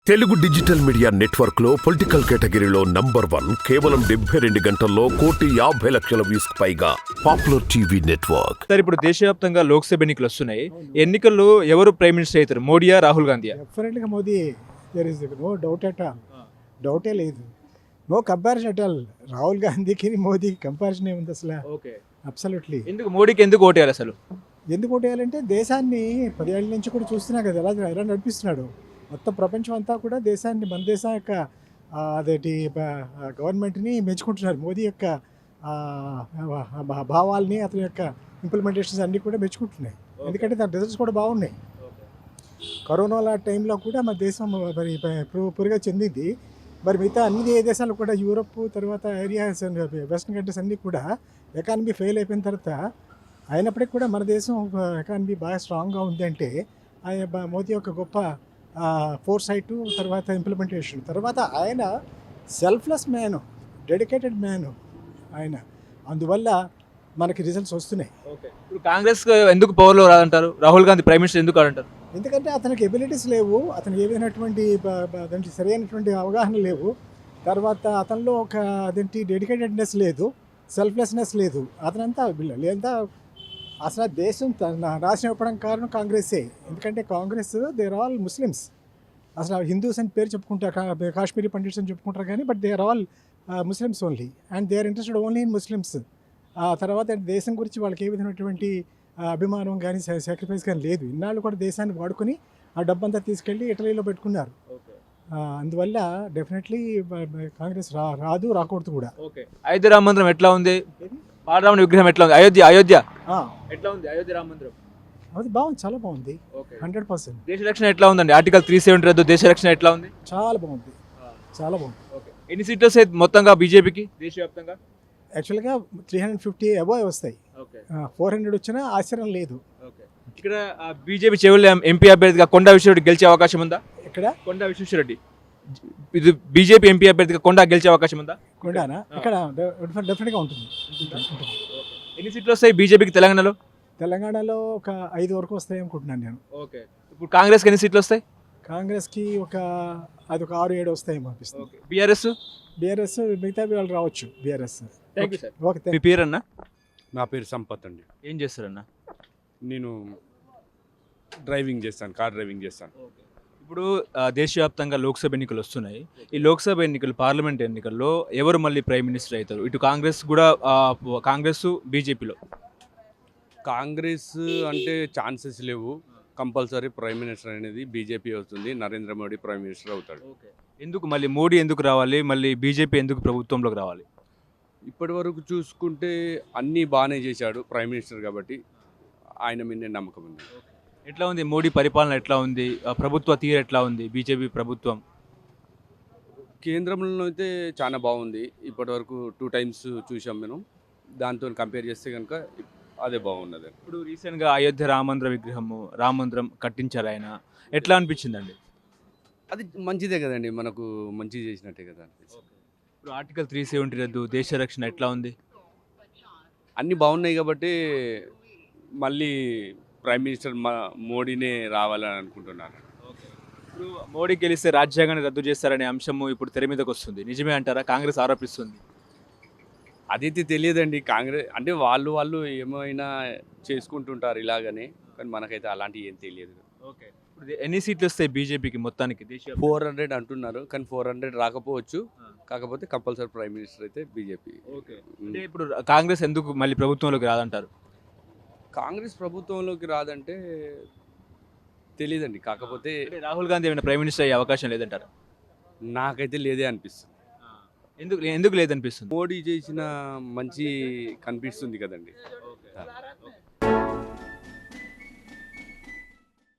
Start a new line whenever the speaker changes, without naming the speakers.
Telugu digital media network లో political కేటగిరీలో number 1 కేవలం 72 గంటల్లో 1,50,00,000 వ్యూస్ పైగా పాపులర్ టీవీ నెట్వర్క్.
సార్, ఇప్పుడు దేశవ్యాప్తంగా లోక్సభ ఎన్నికలు వస్తున్నాయి. ఎన్నికల్లో ఎవరు ప్రైమ్ మినిస్టర్ అవుతారు? మోడీయా, రాహుల్ గాంధీయా?
డెఫినెట్గా Modi. There is no doubt at all. డౌటే లేదు. No comparison at all. Rahul గాంధీకి మోదీకి కంపారిజన్ ఏముంది అసలు?
ఓకే.
అబ్సల్యూట్లీ.
ఎందుకు మోడీకి ఎందుకు ఓటేయాలి అసలు?
ఎందుకు ఓటేయాలంటే దేశాన్ని 10 ఏళ్ళ నుంచి కూడా చూస్తున్నా కదా ఎలా నడిపిస్తున్నాడు. మొత్తం ప్రపంచం అంతా కూడా దేశాన్ని, మన దేశం యొక్క అదేంటి గవర్నమెంట్ని మెచ్చుకుంటున్నారు. మోదీ యొక్క భావాల్ని, అతని యొక్క ఇంప్లిమెంటేషన్స్ అన్నీ కూడా మెచ్చుకుంటున్నాయి. ఎందుకంటే దాని రిజల్ట్స్ కూడా బాగున్నాయి. కరోనా టైంలో కూడా మన దేశం మరి పురిగా చెందింది. మరి మిగతా అన్ని దేశాలు కూడా, యూరప్ తర్వాత ఏరియాస్, వెస్టర్న్ కంట్రీస్ అన్నీ కూడా ఎకానమీ ఫెయిల్ అయిపోయిన తర్వాత అయినప్పటికీ కూడా మన దేశం ఎకానమీ బాగా స్ట్రాంగ్గా ఉంది అంటే మోదీ యొక్క గొప్ప ఫోర్ సైటు, తర్వాత ఇంప్లిమెంటేషన్, తర్వాత ఆయన సెల్ఫ్లెస్ మ్యాను, డెడికేటెడ్ మ్యాను ఆయన. అందువల్ల మనకి రిజల్ట్స్ వస్తున్నాయి.
ఇప్పుడు కాంగ్రెస్ ఎందుకు పవర్లో రాదంటారు? రాహుల్ గాంధీ ప్రైమ్ మినిస్టర్ ఎందుకు అంటారు?
ఎందుకంటే అతనికి ఎబిలిటీస్ లేవు, అతనికి ఏదైనటువంటి దానికి సరైనటువంటి అవగాహన లేవు. తర్వాత అతనిలో ఒక అదేంటి డెడికేటెడ్నెస్ లేదు, సెల్ఫ్లెస్నెస్ లేదు. అతనంతా లేదా అసలు దేశం నాశనం ఇవ్వడం కారణం కాంగ్రెసే. ఎందుకంటే కాంగ్రెస్ దేర్ ఆల్ ముస్లిమ్స్. అసలు హిందూస్ అని పేరు చెప్పుకుంటారు, కాశ్మీరీ పండిట్స్ అని చెప్పుకుంటారు, కానీ but they are all Muslims only, and they are interested only in Muslims. తర్వాత దేశం గురించి వాళ్ళకి ఏ విధమైనటువంటి అభిమానం కానీ సాక్రిఫైస్ కానీ లేదు. ఇన్నాళ్ళు కూడా దేశాన్ని వాడుకొని ఆ డబ్బంతా తీసుకెళ్ళి ఇటలీలో పెట్టుకున్నారు. అందువల్ల డెఫినెట్లీ కాంగ్రెస్ రాదు, రాకూడదు కూడా.
అయోధ్య రామ మందిరం ఎట్లా ఉంది? బాలరాముని విగ్రహం ఎట్లా ఉంది? అయోధ్య ఎట్లా ఉంది? అయోధ్య రామ మందిరం
అది బాగుంది, చాలా బాగుంది. 100%.
దేశ రక్షణ ఎట్లా ఉందండి? ఆర్టికల్ 370 రద్దు, దేశ రక్షణ ఎట్లా ఉంది?
చాలా బాగుంది, చాలా బాగుంది.
ఎన్ని సీట్లు వస్తాయి మొత్తంగా బీజేపీకి దేశవ్యాప్తంగా?
యాక్చువల్గా 350 అబోవ్ వస్తాయి. 400 వచ్చినా ఆశ్చర్యం లేదు.
ఇక్కడ బీజేపీ చెవుల ఎంపీ అభ్యర్థిగా కొండా విశ్వరెడ్డి గెలిచే అవకాశం ఉందా?
ఇక్కడ
కొండా విశ్వేశ్వరరెడ్డి ఇది బీజేపీ ఎంపీ అభ్యర్థిగా కొండా గెలిచే అవకాశం ఉందా?
కొండానా? ఇక్కడ డెఫినెట్గా ఉంటుంది.
ఎన్ని సీట్లు వస్తాయి బీజేపీకి తెలంగాణలో?
తెలంగాణలో ఒక 5 వరకు వస్తాయి అనుకుంటున్నాను నేను.
ఇప్పుడు కాంగ్రెస్కి ఎన్ని సీట్లు వస్తాయి?
కాంగ్రెస్కి అది ఒక 6-7 వస్తాయి అనిపిస్తుంది.
బీఆర్ఎస్
మిగతా వాళ్ళు రావచ్చు. బీఆర్ఎస్.
ఓకే. మీ పేరు అన్న?
నా పేరు సంపత్ అండి.
ఏం చేస్తారన్న?
నేను డ్రైవింగ్ చేస్తాను, కార్ డ్రైవింగ్ చేస్తాను.
ఇప్పుడు దేశవ్యాప్తంగా లోక్సభ ఎన్నికలు వస్తున్నాయి. ఈ లోక్సభ ఎన్నికలు, పార్లమెంట్ ఎన్నికల్లో ఎవరు మళ్ళీ ప్రైమ్ మినిస్టర్ అవుతారు? ఇటు కాంగ్రెస్ కూడా, కాంగ్రెస్ బీజేపీలో.
కాంగ్రెస్ అంటే ఛాన్సెస్ లేవు. కంపల్సరీ ప్రైమ్ మినిస్టర్ అనేది బీజేపీ అవుతుంది. నరేంద్ర మోడీ ప్రైమ్ మినిస్టర్ అవుతాడు.
ఎందుకు మళ్ళీ మోడీ ఎందుకు రావాలి? మళ్ళీ బీజేపీ ఎందుకు ప్రభుత్వంలోకి రావాలి?
ఇప్పటి వరకు చూసుకుంటే అన్నీ బాగానే చేశాడు ప్రైమ్ మినిస్టర్, కాబట్టి ఆయన మీదే నమ్మకం ఉంది.
ఎట్లా ఉంది మోడీ పరిపాలన? ఎట్లా ఉంది ప్రభుత్వ తీరు? ఎట్లా ఉంది బీజేపీ ప్రభుత్వం?
కేంద్రంలో అయితే చాలా బాగుంది. ఇప్పటి వరకు 2 టైమ్స్ చూసాం మేము. దాంతో కంపేర్ చేస్తే కనుక అదే బాగున్నది.
ఇప్పుడు రీసెంట్గా అయోధ్య రామ మందిరం కట్టించారు ఆయన. ఎట్లా అనిపించిందండి?
అది మంచిదే కదండి, మనకు మంచి చేసినట్టే కదా అనిపిస్తుంది.
ఇప్పుడు ఆర్టికల్ 370 రద్దు, దేశ రక్షణ ఎట్లా ఉంది?
అన్నీ బాగున్నాయి కాబట్టి మళ్ళీ ప్రైమ్ మినిస్టర్ మోడీనే రావాలని అనుకుంటున్నాను.
ఇప్పుడు మోడీ గెలిస్తే రాజ్యాంగాన్ని రద్దు చేస్తారనే అంశము ఇప్పుడు తెర మీదకి వస్తుంది. నిజమే అంటారా? కాంగ్రెస్ ఆరోపిస్తుంది.
అదైతే తెలియదండి. కాంగ్రెస్ అంటే వాళ్ళు ఏమైనా చేసుకుంటుంటారు ఇలాగనే, కానీ మనకైతే అలాంటివి ఏం తెలియదు.
ఓకే. ఇప్పుడు ఎన్ని సీట్లు వస్తాయి బీజేపీకి మొత్తానికి?
400 అంటున్నారు, కానీ 400 రాకపోవచ్చు. కాకపోతే కంపల్సరీ ప్రైమ్ మినిస్టర్ అయితే బీజేపీ.
ఓకే. అంటే ఇప్పుడు కాంగ్రెస్ ఎందుకు మళ్ళీ ప్రభుత్వంలోకి రాదంటారు?
కాంగ్రెస్ ప్రభుత్వంలోకి రాదంటే తెలియదండి. కాకపోతే
రాహుల్ గాంధీ ఏమైనా ప్రైమ్ మినిస్టర్ అయ్యే అవకాశం లేదంటారు?
నాకైతే లేదే అనిపిస్తుంది.
ఎందుకు లేదనిపిస్తుంది?
మోడీ చేసిన మంచి కనిపిస్తుంది కదండి.